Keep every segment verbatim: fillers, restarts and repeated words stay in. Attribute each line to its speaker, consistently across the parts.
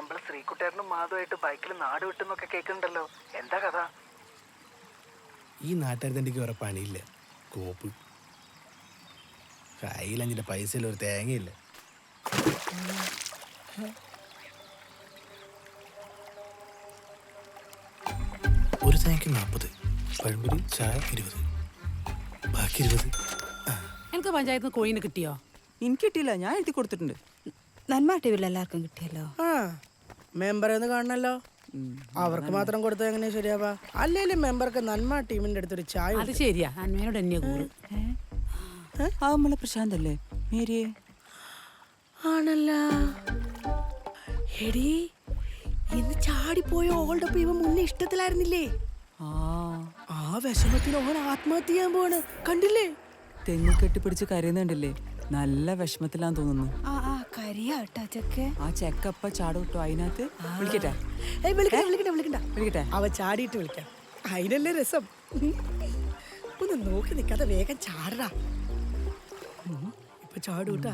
Speaker 1: നമ്മള് ശ്രീകുട്ടേട്ടനും മാധുവായിട്ട് ബൈക്കിൽ നാട് വിട്ടെന്നൊക്കെ കേൾക്കുന്നുണ്ടല്ലോ, എന്താ കഥ?
Speaker 2: ഈ നാട്ടുകാർക്ക് വേറെ പണിയില്ല, കോപ്പ് കയ്യിലഞ്ചിന്റെ പൈസയിൽ ഒരു തേങ്ങയില്ല. ഒരു തേങ്ങയ്ക്ക് നാൽപ്പത്, പഴംപൊരി ചായ ഇരുപത്, ബാക്കി ഇരുപത്.
Speaker 3: എനിക്ക് പഞ്ചായത്ത് നിന്ന് കോയിന് കിട്ടിയോ?
Speaker 4: എനിക്ക് കിട്ടിയില്ല, ഞാൻ എഴുതി കൊടുത്തിട്ടുണ്ട്.
Speaker 5: നന്മ ടിവിയിൽ എല്ലാവർക്കും കിട്ടിയല്ലോ.
Speaker 4: ആ മെമ്പറേന്ന് കാണണല്ലോ, അവർക്ക് മാത്രം കൊടുത്താൽ എങ്ങനെയാ ശരിയാവാ? അല്ലേലും മെമ്പർക്ക് നന്മ ടീമിന്റെ അടുത്തൊരു ചായ.
Speaker 3: അത് ശരിയാ, അന്മയോട് എന്നെ കൂറ്.
Speaker 4: ആ നമ്മളെ പ്രശാന്ത് അല്ലേ മേരിയെ? ആണല്ല. എടി ഇന്ന് ചാടിപ്പോയ ഓളുടെ ഒപ്പം ഇവ മുന്നേ ഇഷ്ടത്തിലായിരുന്നില്ലേ?
Speaker 6: ആ
Speaker 4: ആ വിഷമത്തിന് ഓൻ ആത്മഹത്യ ചെയ്യാൻ പോവാണ്, കണ്ടില്ലേ?
Speaker 6: തെങ്ങ് കെട്ടിപ്പിടിച്ച് കരയുന്നുണ്ടല്ലേ, നല്ല വിഷമത്തിലാന്ന് തോന്നുന്നു.
Speaker 5: ആ ആ കരിയാട്ടാ ചെക്കെ.
Speaker 6: ആ ചെക്കപ്പ ചാടോട്ടോ അതിനകത്ത്. വിളിക്കട്ടെ
Speaker 4: ഏയ് വിളിക്കണ്ട വിളിക്കണ്ട വിളിക്കണ്ട
Speaker 6: വിളിക്കട്ടെ
Speaker 4: അവ ചാടിയിട്ട് വിളിക്കാം, അതിനല്ലേ രസം. ഒന്ന് നോക്കി നിൽക്കാതെ വേഗം ചാടടാ. ഇപ്പൊ ചാടൂട്ടാ.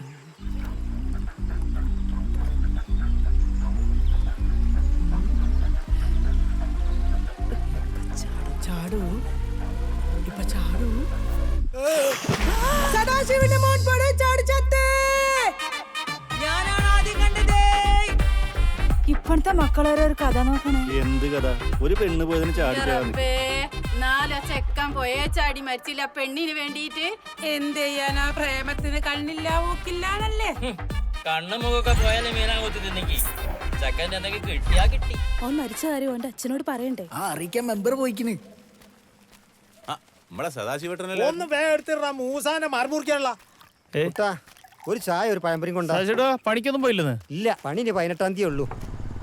Speaker 4: ചാടൂ ഇപ്പൊ ചാടൂ. സദാശിവന്റെ മോൻ പോടെ ചാടി ചത്തേ. ഞാനാണ് ആദ്യം കണ്ടത്.
Speaker 5: ഇപ്പോഴത്തെ മക്കളോരോ ഒരു കഥ നോക്കണേ.
Speaker 7: എന്ത് കഥ? ഒരു പെണ്ണ് പോയതിന് ചാടി
Speaker 3: നാല ചെക്കൻ പോയേ ചാടി മരിച്ചില്ല പെണ്ണിന് വേണ്ടിയിട്ട്. എന്ത് ചെയ്യാനാ, പ്രേമത്തിന് കണ്ണില്ല മൂക്കില്ലാന്നല്ലേ.
Speaker 8: കണ്ണു മുഖൊക്കെ പോയാലേ മീനാ കൊത്തി തിന്നെങ്കി ചെക്കൻ്റെ എന്തെങ്കിലും കിട്ടിയാ കിട്ടി.
Speaker 5: ഓൻ മരിച്ച കാര്യം ഓന്റെ അച്ഛനോട് പറയണ്ടേ?
Speaker 2: ആ അറിയിക്കാൻ മെമ്പർ പോയിക്കിന്.
Speaker 7: നമ്മളെ സദാശിവട്ടനല്ലേ?
Speaker 9: ഒന്ന് വേഗം മൂസാനെ മറുമുറിക്കാനുള്ള
Speaker 10: ഒരു ചായ ഒരു പഴംപൊരിയും കൊണ്ടാ.
Speaker 7: പണിക്കൊന്നും പോയില്ലെന്ന്?
Speaker 10: ഇല്ല, പണി പതിനെട്ടാം തീയതി ഉള്ളൂ.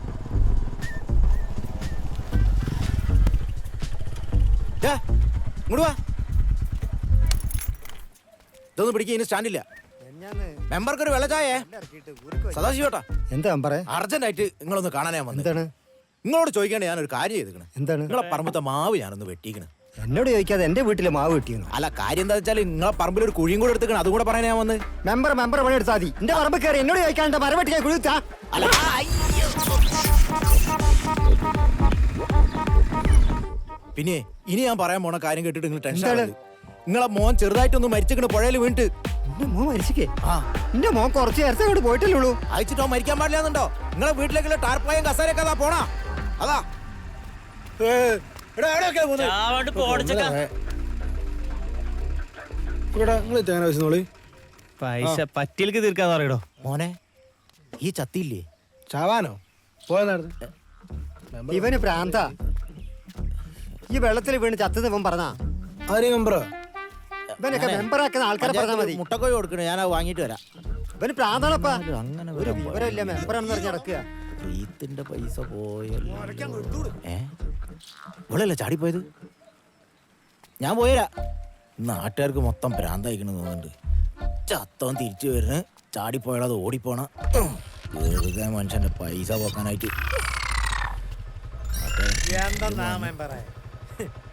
Speaker 9: ഇതൊന്നും പിടിക്കുക, സ്റ്റാൻഡില്ല. മെമ്പർക്ക് ഒരു വെള്ള ചായേ സദാശിവട്ടാ.
Speaker 10: എന്താ പറയാ?
Speaker 9: അർജന്റ് ആയിട്ട് നിങ്ങളൊന്ന് കാണാനാ വന്നത്.
Speaker 10: എന്താണ്?
Speaker 9: നിങ്ങളോട് ചോദിക്കാണ്ട് ഞാനൊരു കാര്യം ചെയ്തിക്കണേ.
Speaker 10: എന്താണ്?
Speaker 9: നിങ്ങളെ പറമ്പത്തെ മാവ് ഞാനൊന്ന് വെട്ടിക്കണേ.
Speaker 10: എന്നോട് ചോദിക്കാതെ എന്റെ വീട്ടിലെ മാവ് കിട്ടിയെന്നു?
Speaker 9: അല്ല, കാര്യം എന്താ വെച്ചാൽ നിങ്ങളെ പറമ്പിൽ ഒരു കുഴിയും കൂടെ എടുത്തിക്കണം, അതും കൂടെ പറയാൻ ഞാൻ വന്ന്.
Speaker 10: മെമ്പർ മെമ്പർ പണി എടുത്താൽ മതി. എന്റെ പറമ്പ് കയറി എന്നോട് ചോദിക്കാണ്ട് മരം വെട്ടിക്കാൻ കുഴിച്ചാ?
Speaker 9: അല്ല, പിന്നെ ഇനി ഞാൻ പറയാൻ പോണ കാര്യം കേട്ടിട്ട് നിങ്ങൾ ടെൻഷൻ. നിങ്ങളെ മോൻ ചെറുതായിട്ടൊന്ന് മരിച്ചിക്കണ് പുഴയിൽ വീണിട്ട്.
Speaker 10: എന്റെ മോൻ മരിച്ചിക്കേ?
Speaker 9: ആ,
Speaker 10: എന്റെ മോൻ കുറച്ച് നേരത്തെ അങ്ങോട്ട് പോയിട്ടല്ലേ.
Speaker 9: അയച്ചിട്ടോ മരിക്കാൻ പാടില്ലാന്നുണ്ടോ? നിങ്ങളെ വീട്ടിലേക്കുള്ള ടാർപ്പായും കസാരയൊക്കെ അതാ പോണാ. അതാ
Speaker 8: ചാവാണ്ട് പോടിച്ചക്ക
Speaker 7: പൈസ പറ്റിയൽക്ക് തീർക്കാന്ന് പറയടോ.
Speaker 9: മോനെ, ഈ ചത്തിയില്ലേ?
Speaker 2: ചാവാനോ? പോയ
Speaker 10: ഇവന് പ്രാന്ത. ഈ വെള്ളത്തിൽ വീണ് ചത്തത് ഇവൻ പറഞ്ഞാ?
Speaker 2: ആരെയും മെമ്പറോ?
Speaker 10: ഇവനൊക്കെ മെമ്പറാക്കുന്ന ആൾക്കാരെ പറഞ്ഞാൽ മതി.
Speaker 9: മുട്ടക്കോഴി കൊടുക്കണേ, ഞാൻ അത് വാങ്ങിട്ട് വരാം.
Speaker 10: ഇവന് പ്രാന്താണപ്പാ.
Speaker 9: അങ്ങനെ
Speaker 10: ഒരു വിവരമില്ല, മെമ്പറാണെന്ന് പറഞ്ഞ് നടക്കുക.
Speaker 9: റീത്തിന്റെ പൈസ പോയല്ലോ. ഏ ഇവളല്ലേ ചാടിപ്പോയത്? ഞാൻ പോയരാ. നാട്ടുകാർക്ക് മൊത്തം ഭ്രാന്തായിക്കണെന്ന് തോന്നുന്നുണ്ട്. ചത്തവൻ തിരിച്ചു വരുന്ന ചാടിപ്പോയാലത് ഓടിപ്പോണ വെറുതെ മനുഷ്യന്റെ പൈസ പോക്കാനായിട്ട്.
Speaker 10: എന്താ മെമ്പറേ